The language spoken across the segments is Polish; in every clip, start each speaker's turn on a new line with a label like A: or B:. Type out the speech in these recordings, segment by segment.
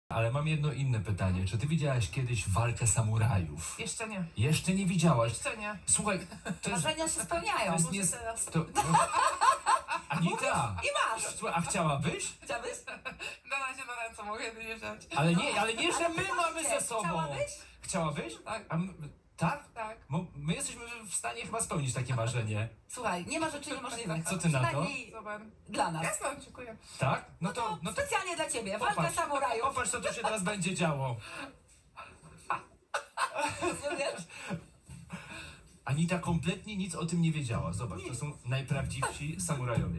A: Ale mam jedno inne pytanie. Czy ty widziałaś kiedyś walkę samurajów?
B: Jeszcze nie.
A: Jeszcze nie widziałaś.
B: Jeszcze nie.
A: Słuchaj, to jest...
C: Marzenia się spełniają.
A: To jest
B: Może
A: nies...
B: teraz.
A: to... Anita!
C: I masz.
A: Słuchaj, a chciałabyś?
C: Chciałabyś?
B: Na razie na ręce mogę wyjeżdżać.
A: Ale nie, że my mamy ze sobą.
C: Chciałabyś?
A: Chciałabyś?
B: Tak.
A: Tak?
B: Tak.
A: My jesteśmy w stanie chyba spełnić takie marzenie.
C: Słuchaj, nie ma rzeczy niemożliwych.
A: Co ty na to?
C: Przynajmniej
B: Zobacz.
C: dla nas.
B: Jasno, dziękuję.
A: Tak?
C: No to specjalnie dla ciebie. Walka samurajów.
A: Popatrz, co tu się teraz będzie działo.
C: Rozumiesz?
A: Anita kompletnie nic o tym nie wiedziała. Zobacz, to są najprawdziwsi samurajowie.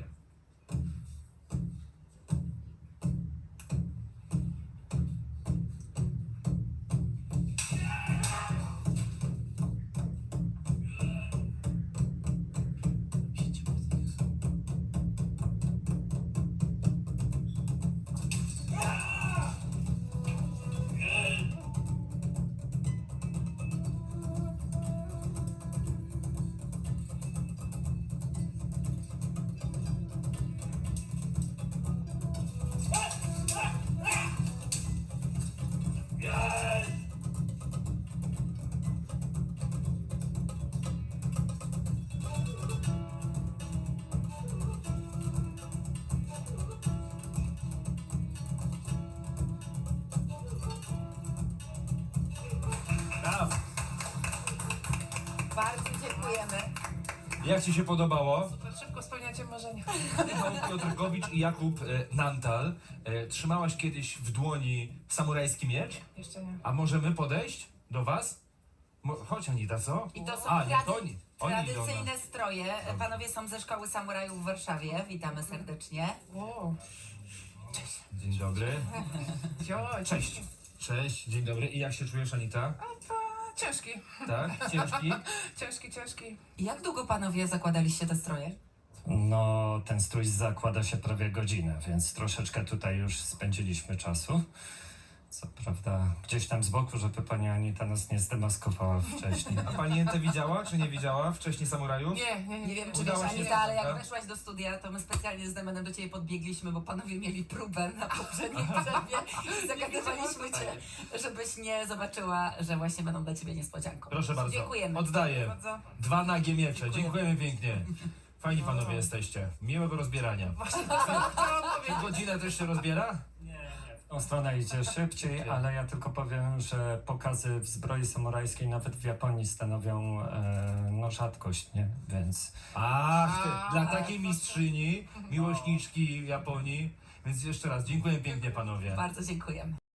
A: Brawo.
C: Bardzo dziękujemy.
A: Jak ci się podobało?
B: Super szybko spełniacie marzenia.
A: Michał Piotrkowicz i Jakub Nantal. Trzymałaś kiedyś w dłoni samurajski miecz?
B: Jeszcze nie.
A: A możemy podejść do was? Chodź Anita, co?
C: I to są
A: A, nie, to oni. Oni idą
C: tradycyjne stroje. Panowie są ze Szkoły Samurajów w Warszawie. Witamy serdecznie.
B: Wow.
A: Dzień dobry.
B: Cioć.
A: Cześć. Cześć, dzień dobry. I jak się czujesz, Anita?
B: A to ciężki.
A: Tak? Ciężki?
B: Ciężki.
C: Jak długo panowie zakładaliście te stroje?
D: No, ten strój zakłada się prawie godzinę, więc troszeczkę tutaj już spędziliśmy czasu. Co prawda, gdzieś tam z boku, żeby pani Anita nas nie zdemaskowała wcześniej.
A: A pani Jentę widziała, czy nie widziała wcześniej samurajów?
B: Nie.
C: Nie wiem, czy
A: Udało
C: wiesz,
A: się,
C: Anita, ale jak
A: tak?
C: weszłaś do studia, to my specjalnie z Demenem do ciebie podbiegliśmy, bo panowie mieli próbę na poprzedniej przerwie i zagadywaliśmy cię, żebyś nie zobaczyła, że właśnie będą dla ciebie niespodzianką.
A: Proszę bardzo.
C: Dziękujemy.
A: Oddaję.
B: Bardzo.
A: 2 nagie miecze.
C: Dziękuję.
A: Dziękujemy pięknie. Fajni panowie jesteście. Miłego rozbierania.
B: Chciałam powiedzieć.
A: Godzinę też się rozbiera?
D: W tą stronę idzie szybciej, ale ja tylko powiem, że pokazy w zbroi samurajskiej nawet w Japonii stanowią no, rzadkość, nie? Więc
A: Ach, dla takiej mistrzyni, miłośniczki Japonii. Więc jeszcze raz, dziękuję pięknie panowie.
C: Bardzo dziękujemy.